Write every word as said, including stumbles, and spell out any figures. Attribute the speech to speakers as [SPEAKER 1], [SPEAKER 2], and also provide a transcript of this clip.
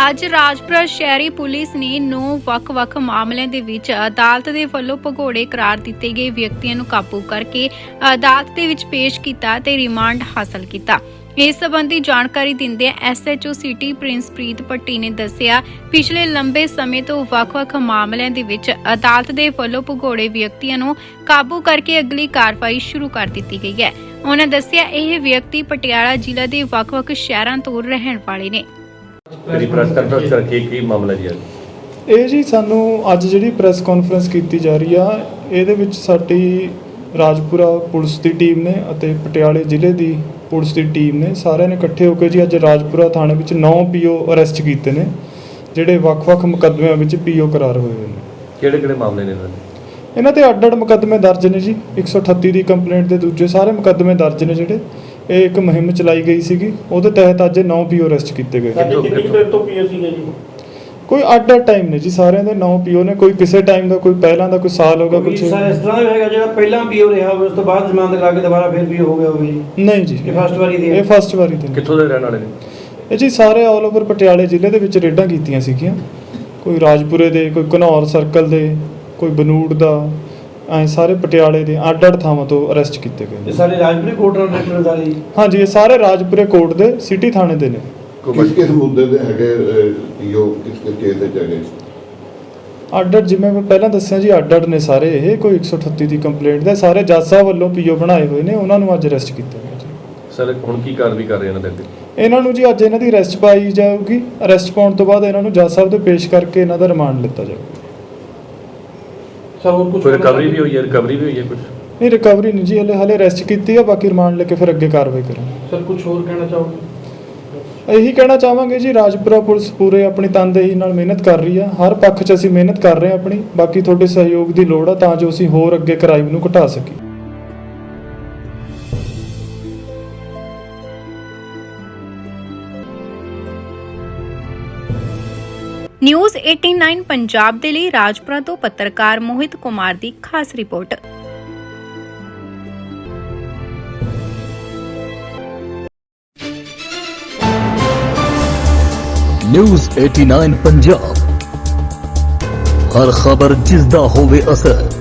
[SPEAKER 1] ਅੱਜ ਰਾਜਪੁਰਾ ਸ਼ਹਿਰੀ ਪੁਲਿਸ ਨੇ ਨੌ ਵੱਖ-ਵੱਖ ਮਾਮਲਿਆਂ ਦੇ ਵਿੱਚ ਅਦਾਲਤ ਦੇ ਵੱਲੋਂ ਭਗੌੜੇ ਕਰਾਰ ਦਿੱਤੇ ਗਏ ਵਿਅਕਤੀਆਂ ਨੂੰ ਕਾਬੂ ਕਰਕੇ ਅਦਾਲਤ ਦੇ ਵਿੱਚ ਪੇਸ਼ ਕੀਤਾ ਤੇ ਰਿਮਾਂਡ ਹਾਸਲ ਕੀਤਾ। ਇਸ ਸੰਬੰਧੀ ਜਾਣਕਾਰੀ ਦਿੰਦਿਆਂ S H O city Princepreet Bhatti ਨੇ ਦੱਸਿਆ, ਪਿਛਲੇ ਲੰਬੇ ਸਮੇਂ ਤੋਂ ਵੱਖ-ਵੱਖ ਮਾਮਲਿਆਂ ਦੇ ਵਿੱਚ ਅਦਾਲਤ ਦੇ ਵੱਲੋਂ ਭਗੌੜੇ ਵਿਅਕਤੀਆਂ ਨੂੰ ਕਾਬੂ ਕਰਕੇ ਅਗਲੀ ਕਾਰਵਾਈ ਸ਼ੁਰੂ ਕਰ ਦਿੱਤੀ ਗਈ ਹੈ। ਉਹਨਾਂ ਦੱਸਿਆ ਇਹ ਵਿਅਕਤੀ ਪਟਿਆਲਾ ਜ਼ਿਲ੍ਹਾ ਦੇ ਵੱਖ-ਵੱਖ ਸ਼ਹਿਰਾਂ ਤੋਂ ਰਹਿਣ ਵਾਲੇ ਨੇ।
[SPEAKER 2] ਜਿਹੜੀ ਪ੍ਰੈਸ ਕਾਨਫਰੰਸ ਰੱਖੀ ਕੀ ਮਾਮਲਾ ਜੀ
[SPEAKER 3] ਇਹ ਜੀ ਸਾਨੂੰ ਅੱਜ ਜਿਹੜੀ ਪ੍ਰੈਸ ਕਾਨਫਰੰਸ ਕੀਤੀ ਜਾ ਰਹੀ ਆ ਇਹਦੇ ਵਿੱਚ ਸਾਡੀ ਰਾਜਪੁਰਾ ਪੁਲਿਸ ਦੀ ਟੀਮ ਨੇ ਅਤੇ ਪਟਿਆਲੇ ਜ਼ਿਲ੍ਹੇ ਦੀ ਪੁਲਿਸ ਦੀ ਟੀਮ ਨੇ ਸਾਰਿਆਂ ਨੇ ਇਕੱਠੇ ਹੋ ਕੇ ਜੀ ਅੱਜ ਰਾਜਪੁਰਾ ਥਾਣੇ ਵਿੱਚ ਨੌ ਪੀਓ ਅਰੈਸਟ ਕੀਤੇ ਨੇ, ਜਿਹੜੇ ਵੱਖ-ਵੱਖ ਮੁਕੱਦਮਿਆਂ ਵਿੱਚ ਪੀਓ ਕਰਾਰ ਹੋਏ ਹੋਏ ਨੇ।
[SPEAKER 2] ਕਿਹੜੇ ਕਿਹੜੇ ਮਾਮਲੇ ਨੇ ਇਹਨਾਂ ਦੇ?
[SPEAKER 3] ਇਹਨਾਂ ਤੇ ਅੱਡ-ਅੱਡ ਮੁਕੱਦਮੇ ਦਰਜ ਨੇ ਜੀ। ਇੱਕ ਸੌ ਅਠੱਤੀ ਦੀ ਕੰਪਲੇਂਟ ਦੇ ਦੂਜੇ ਸਾਰੇ ਮੁਕੱਦਮੇ ਦਰਜ ਨੇ ਜਿਹੜੇ। ਇਹ ਇੱਕ ਮੁਹਿੰਮ ਚਲਾਈ ਗਈ ਸੀਗੀ, ਉਹਦੇ ਤਹਿਤ ਅੱਜ ਨੌ ਪੀਓ ਅਰੈਸਟ ਕੀਤੇ ਗਏ।
[SPEAKER 4] ਕਿੰਨੀ ਦੇਰ ਤੋਂ ਪੀਓ ਸੀਗੇ ਜੀ?
[SPEAKER 3] ਕੋਈ ਅੱਡ-ਅੱਡ ਟਾਈਮ ਨੇ ਜੀ, ਸਾਰਿਆਂ ਦੇ ਨੌ ਪੀਓ ਨੇ। ਕੋਈ ਕਿਸੇ ਟਾਈਮ ਦਾ, ਕੋਈ ਪਹਿਲਾਂ ਦਾ, ਕੋਈ ਸਾਲ ਹੋ ਗਿਆ, ਕੁਝ
[SPEAKER 4] ਇਸ ਤਰ੍ਹਾਂ ਦਾ ਹੈਗਾ ਜਿਹੜਾ ਪਹਿਲਾਂ ਪੀਓ ਰਿਹਾ ਹੋਵੇ ਉਸ ਤੋਂ ਬਾਅਦ ਜ਼ਮਾਨਤ ਕਰਾ ਕੇ ਦੁਬਾਰਾ ਫਿਰ ਪੀਓ ਹੋ ਗਿਆ ਹੋਵੇ ਜੀ?
[SPEAKER 3] ਨਹੀਂ ਜੀ,
[SPEAKER 4] ਇਹ ਫਸਟ ਵਾਰੀ ਦੀ ਹੈ।
[SPEAKER 3] ਇਹ ਫਸਟ ਵਾਰੀ ਦੀ।
[SPEAKER 2] ਕਿੱਥੋਂ ਦੇ ਰਹਿਣ ਵਾਲੇ ਨੇ
[SPEAKER 3] ਇਹ ਜੀ? ਸਾਰੇ ਆਲ ਓਵਰ ਪਟਿਆਲੇ ਜ਼ਿਲ੍ਹੇ ਦੇ ਵਿੱਚ ਰੇਡਾਂ ਕੀਤੀਆਂ ਸੀਗੀਆਂ। ਕੋਈ ਰਾਜਪੁਰੇ ਦੇ, ਕੋਈ ਘਨੌਰ ਸਰਕਲ ਦੇ, ਕੋਈ ਬਨੂੜ ਦਾ, ਐ ਸਾਰੇ ਪਟਿਆਲੇ ਦੇ ਅੱਡ-ਅੱਡ ਥਾਵਾਂ ਤੋਂ ਅਰੈਸਟ ਕੀਤੇ ਗਏ।
[SPEAKER 4] ਇਹ ਸਾਰੇ ਰਾਜਪੁਰੇ ਕੋਰਟ ਰਜਿਸਟਰ ਸਾਰੇ ਜੀ?
[SPEAKER 3] ਹਾਂਜੀ, ਇਹ ਸਾਰੇ ਰਾਜਪੁਰੇ ਕੋਰਟ ਦੇ ਸਿਟੀ ਥਾਣੇ ਦੇ ਨੇ।
[SPEAKER 5] ਕਿਸ ਕਿਸ ਮੁੱਦੇ ਦੇ ਹੈਗੇ ਪੀਓ, ਕਿਸ ਕਿਸ ਕੇਸ ਦੇ ਹੈਗੇ?
[SPEAKER 3] ਅੱਡ-ਅੱਡ, ਜਿਵੇਂ ਮੈਂ ਪਹਿਲਾਂ ਦੱਸਿਆ ਜੀ, ਅੱਡ-ਅੱਡ ਨੇ ਸਾਰੇ ਇਹ। ਕੋਈ ਇੱਕ ਸੌ ਅਠੱਤੀ ਦੀ ਕੰਪਲੇਂਟ ਦੇ ਸਾਰੇ ਜੱਜ ਸਾਹਿਬ ਵੱਲੋਂ ਪੀਓ ਬਣਾਏ ਹੋਏ ਨੇ, ਉਹਨਾਂ ਨੂੰ ਅੱਜ ਅਰੈਸਟ ਕੀਤਾ ਗਿਆ ਜੀ।
[SPEAKER 2] ਸਰ ਹੁਣ ਕੀ ਕਾਰਵਾਈ ਕਰ ਰਹੇ ਇਹਨਾਂ ਦੇ ਅੱਗੇ?
[SPEAKER 3] ਇਹਨਾਂ ਨੂੰ ਜੀ ਅੱਜ ਇਹਨਾਂ ਦੀ ਅਰੈਸਟ ਪਾਈ ਜਾਊਗੀ। ਅਰੈਸਟ ਪਾਉਣ ਤੋਂ ਬਾਅਦ ਇਹਨਾਂ ਨੂੰ ਜੱਜ ਸਾਹਿਬ ਦੇ ਪੇਸ਼ ਕਰਕੇ ਇਹਨਾਂ ਦਾ ਰਿਮਾਂਡ ਲਿੱਤਾ ਜਾਊਗਾ।
[SPEAKER 4] ਸਰ ਹੋਰ ਕੁਝ
[SPEAKER 2] ਕੋਈ ਰਿਕਵਰੀ ਵੀ ਹੋਈ ਹੈ? ਰਿਕਵਰੀ ਵੀ ਹੋਈ ਹੈ ਕੁਝ?
[SPEAKER 3] ਨਹੀਂ, ਰਿਕਵਰੀ ਨਹੀਂ ਜੀ, ਹਲੇ ਹਲੇ ਅਰੈਸਟ ਕੀਤੀ ਆ। ਬਾਕੀ ਰਿਮਾਂਡ ਲੈ ਕੇ ਫਿਰ ਅੱਗੇ ਕਾਰਵਾਈ ਕਰਾਂਗੇ।
[SPEAKER 4] ਸਰ ਕੁਝ ਹੋਰ ਕਹਿਣਾ ਚਾਹੋਗੇ?
[SPEAKER 3] ਇਹੀ ਕਹਿਣਾ ਚਾਹਾਂਗੇ ਜੀ, ਰਾਜਪੁਰਾ ਪੁਲਿਸ ਪੂਰੇ ਆਪਣੀ ਤਨਦੇਹੀ ਨਾਲ ਮਿਹਨਤ ਕਰ ਰਹੀ ਆ। ਹਰ ਪੱਖ 'ਚ ਅਸੀਂ ਮਿਹਨਤ ਕਰ ਰਹੇ ਹਾਂ ਆਪਣੀ। ਬਾਕੀ ਤੁਹਾਡੇ ਸਹਿਯੋਗ ਦੀ ਲੋੜ ਆ ਤਾਂ ਜੋ ਅਸੀਂ ਹੋਰ ਅੱਗੇ ਕ੍ਰਾਈਮ ਨੂੰ ਘਟਾ ਸਕੀਏ।
[SPEAKER 1] ਨਿਊਜ਼ ਨਵਾਂ ਪੰਜਾਬ ਦੇ ਲਈ ਰਾਜਪੁਰਾ ਤੋਂ ਪੱਤਰਕਾਰ ਮੋਹਿਤ ਕੁਮਾਰ ਦੀ ਖਾਸ ਰਿਪੋਰਟ।
[SPEAKER 6] ਨਿਊਜ਼ ਨਵਾਂ ਪੰਜਾਬ, ਹਰ ਖਬਰ ਜਿਸ ਦਾ ਹੋਵੇ ਅਸਰ।